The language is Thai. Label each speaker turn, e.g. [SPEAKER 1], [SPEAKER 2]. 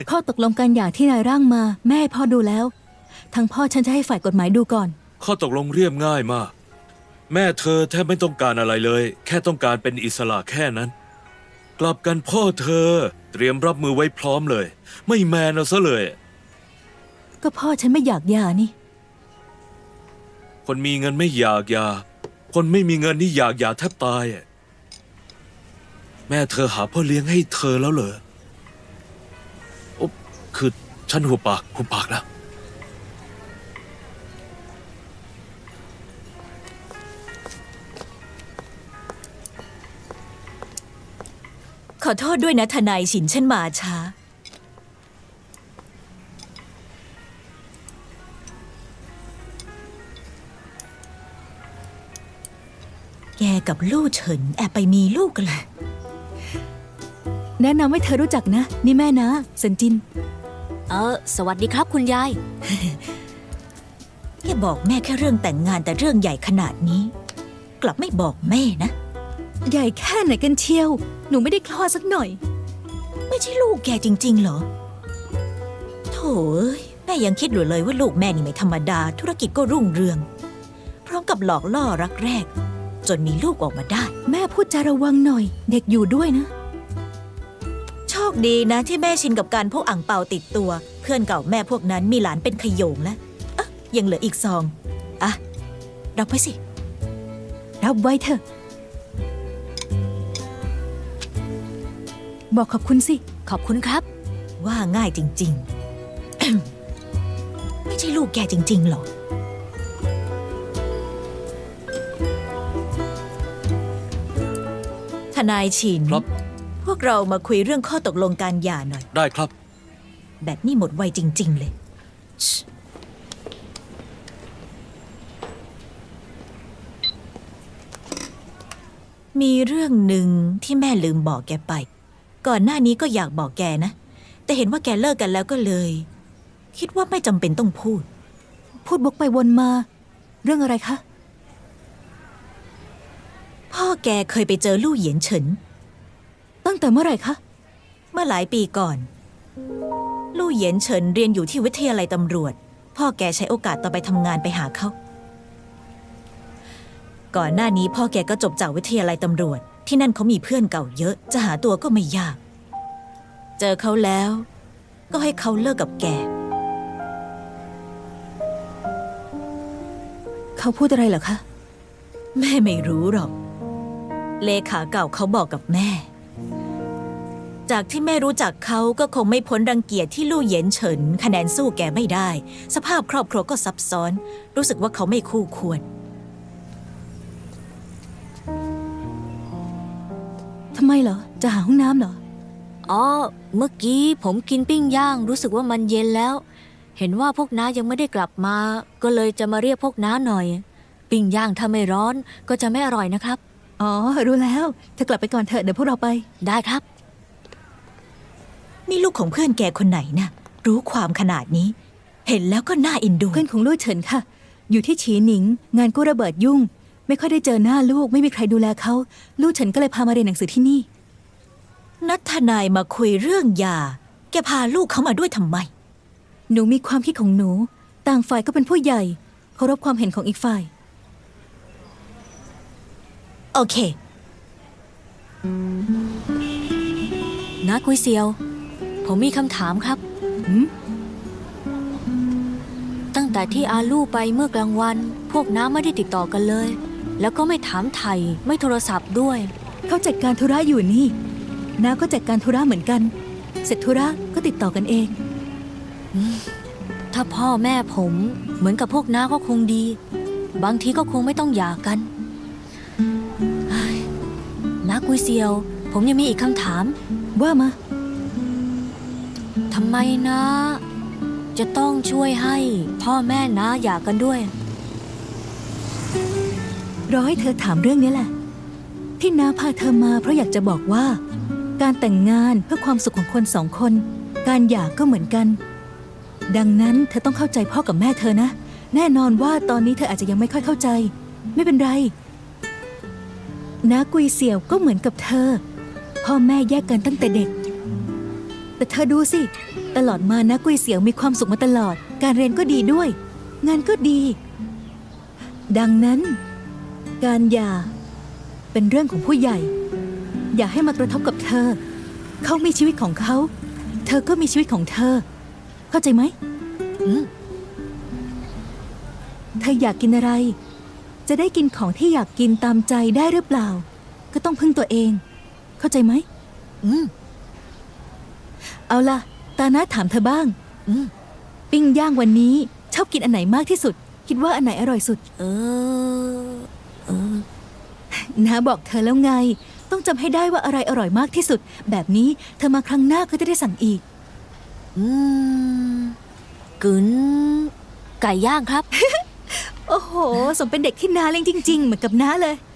[SPEAKER 1] ข้อตกลงการหย่าที่นายร่างมาแม่ให้พ่อดูแล้วทางพ่อฉันจะให้ฝ่ายกฎหมายดูก่อน
[SPEAKER 2] ข้อตกลงเรียบง่ายมากแม่เธอแทบไม่ต้องการอะไรเลย แค่ต้องการเป็นอิสระแค่นั้น กลับกันพ่อเธอเตรียมรับมือไว้พร้อมเลย ไม่แมนเอาซะเลย
[SPEAKER 1] ก็พ่อฉันไม่อยากหย่านี่
[SPEAKER 2] คนมีเงินไม่อยากหย่าคนไม่มีเงินนี่อยากหย่าแทบตายแม่เธอหาพ่อเลี้ยงให้เธอแล้วเหรอคือฉันหุบปากแล้ว
[SPEAKER 3] ขอโทษด้วยนะทนายฉินฉันมาช้าแกกับลู่เฉินแอบไปมีลูกกันเลย
[SPEAKER 1] แนะนำให้เธอรู้จักนะนี่แม่นะเซินจิน
[SPEAKER 4] สวัสดีครับคุณยาย
[SPEAKER 3] แกบอกแม่แค่เรื่องแต่งงานแต่เรื่องใหญ่ขนาดนี้ กลับไม่บอกแม่นะ
[SPEAKER 1] ใหญ่แค่ไหนกันเชียวหนูไม่ได้คลอดสักหน่อย
[SPEAKER 3] ไม่ใช่ลูกแกจริงๆเหรอโถ่แม่ยังคิดอยู่เลยว่าลูกแม่นี่ไม่ธรรมดาธุรกิจก็รุ่งเรืองพร้อมกับหลอกล่อรักแรกจนมีลูกออกมาได้
[SPEAKER 1] แม่พูดจาระวังหน่อยเด็กอยู่ด้วยนะ
[SPEAKER 3] โชคดีนะที่แม่ชินกับการพกอั่งเปาติดตัวเพื่อนเก่าแม่พวกนั้นมีหลานเป็นขโยงแล้วยังเหลืออีกซองรับไปสิ
[SPEAKER 1] รับไว้เถอะบอกขอบคุณสิ
[SPEAKER 4] ขอบคุณครับ
[SPEAKER 3] ว่าง่ายจริงๆ ไม่ใช่ลูกแกจริงๆหรอทนายฉิน
[SPEAKER 2] ครับ
[SPEAKER 3] พวกเรามาคุยเรื่องข้อตกลงการหย่าหน่อย
[SPEAKER 2] ได้ครับ
[SPEAKER 3] แบบนี้หมดไวจริงๆเลยมีเรื่องหนึ่งที่แม่ลืมบอกแกไปก่อนหน้านี้ก็อยากบอกแกนะแต่เห็นว่าแกเลิกกันแล้วก็เลยคิดว่าไม่จำเป็นต้องพูด
[SPEAKER 1] วกไปวนมาเรื่องอะไรคะ
[SPEAKER 3] พ่อแกเคยไปเจอลู่เหยียนเฉิน
[SPEAKER 1] ตั้งแต่เมื่อไหร่คะ
[SPEAKER 3] เมื่อหลายปีก่อนลู่เหยียนเฉินเรียนอยู่ที่วิทยาลัยตำรวจพ่อแกใช้โอกาสตอนไปทำงานไปหาเขาก่อนหน้านี้พ่อแกก็จบจากวิทยาลัยตำรวจที่นั่นเขามีเพื่อนเก่าเยอะจะหาตัวก็ไม่ยากเจอเขาแล้วก็ให้เขาเลิกกับแก
[SPEAKER 1] เขาพูดอะไรเหรอคะ
[SPEAKER 3] แม่ไม่รู้หรอกเลขาเก่าเขาบอกกับแม่จากที่แม่รู้จักเขาก็คงไม่พ้นรังเกียจที่ลู่เหยียนเฉินคะแนนสู้แกไม่ได้สภาพครอบครัวก็ซับซ้อนรู้สึกว่าเขาไม่คู่ควร
[SPEAKER 1] ทำไมเหรอจะหาห้องน้ำเหรอ
[SPEAKER 4] เมื่อกี้ผมกินปิ้งย่างรู้สึกว่ามันเย็นแล้วเห็นว่าพวกน้ายังไม่ได้กลับมาก็เลยจะมาเรียกพวกน้าหน่อยปิ้งย่างถ้าไม่ร้อนก็จะไม่อร่อยนะครับ
[SPEAKER 1] รู้แล้วเธอกลับไปก่อนเถอะเดี๋ยวพวกเราไป
[SPEAKER 4] ได้ครับ
[SPEAKER 3] นี่ลูกของเพื่อนแกคนไหนนะรู้ความขนาดนี้เห็นแล้วก็น่าเอ็นดู
[SPEAKER 1] เพื่อนของลู่เฉินค่ะอยู่ที่ฉีหนิงงานกู้ระเบิดยุ่งไม่ค่อยได้เจอหน้าลูกไม่มีใครดูแลเขาลู่เฉินก็เลยพามาเรียนหนังสือที่นี่
[SPEAKER 3] นัทนายมาคุยเรื่องยาแกพาลูกเขามาด้วยทำไม
[SPEAKER 1] หนูมีความคิดของหนูต่างฝ่ายก็เป็นผู้ใหญ่เคารพความเห็นของอีกฝ่าย
[SPEAKER 3] โอเค
[SPEAKER 4] น้ากุยเซียวผมมีคำถามครับตั้งแต่ที่อาลู่ไปเมื่อกลางวันพวกน้าไม่ได้ติดต่อกันเลยแล้วก็ไม่ถามไถ่ไม่โทรศัพท์ด้วย
[SPEAKER 1] เขาจัดการธุระอยู่นี่น้าก็จัดการธุระเหมือนกันเสร็จธุระก็ติดต่อกันเอง
[SPEAKER 4] ถ้าพ่อแม่ผมเหมือนกับพวกน้าก็คงดีบางทีก็คงไม่ต้องหย่ากันน้ากุยเซียวผมยังมีอีกคำถาม
[SPEAKER 1] ว่ามา
[SPEAKER 4] ทำไมนะจะต้องช่วยให้พ่อแม่น้าหย่ากันด้วย
[SPEAKER 1] รอให้เธอถามเรื่องนี้แหละที่น้าพาเธอมาเพราะอยากจะบอกว่าการแต่งงานเพื่อความสุขของคนสองคนการหย่าก็เหมือนกันดังนั้นเธอต้องเข้าใจพ่อกับแม่เธอนะแน่นอนว่าตอนนี้เธออาจจะยังไม่ค่อยเข้าใจไม่เป็นไรน้ากุยเสี่ยวก็เหมือนกับเธอพ่อแม่แยกกันตั้งแต่เด็กแต่เธอดูสิตลอดมานะกุ้ยเสียวมีความสุขมาตลอด การเรียนก็ดีด้วย งานก็ดี ดังนั้น การหย่าเป็นเรื่องของผู้ใหญ่ อย่าให้มากระทบกับเธอ เขามีชีวิตของเขา เธอก็มีชีวิตของเธอ เข้าใจไหม
[SPEAKER 4] อืม
[SPEAKER 1] เธออยากกินอะไร จะได้กินของที่อยากกินตามใจได้หรือเปล่า ก็ต้องพึ่งตัวเอง เข้าใจไหม
[SPEAKER 4] อืม
[SPEAKER 1] เอาล่ะ ตาน้าถามเธอบ้าง
[SPEAKER 4] อืม
[SPEAKER 1] ปิ้งย่างวันนี้ชอบกินอันไหนมากที่สุด คิดว่าอันไหนอร่อยสุด
[SPEAKER 4] เออ
[SPEAKER 1] น้าบอกเธอแล้วไง ต้องจำให้ได้ว่าอะไรอร่อยมากที่สุด แบบนี้เธอมาครั้งหน้าก็จะได้สั่งอีก
[SPEAKER 4] อืมกึนไก่ย่างครับ
[SPEAKER 1] โอ้โห สมเป็นเด็กที่น้าเลี้ยงจริง ๆ เหมือนกับน้าเลย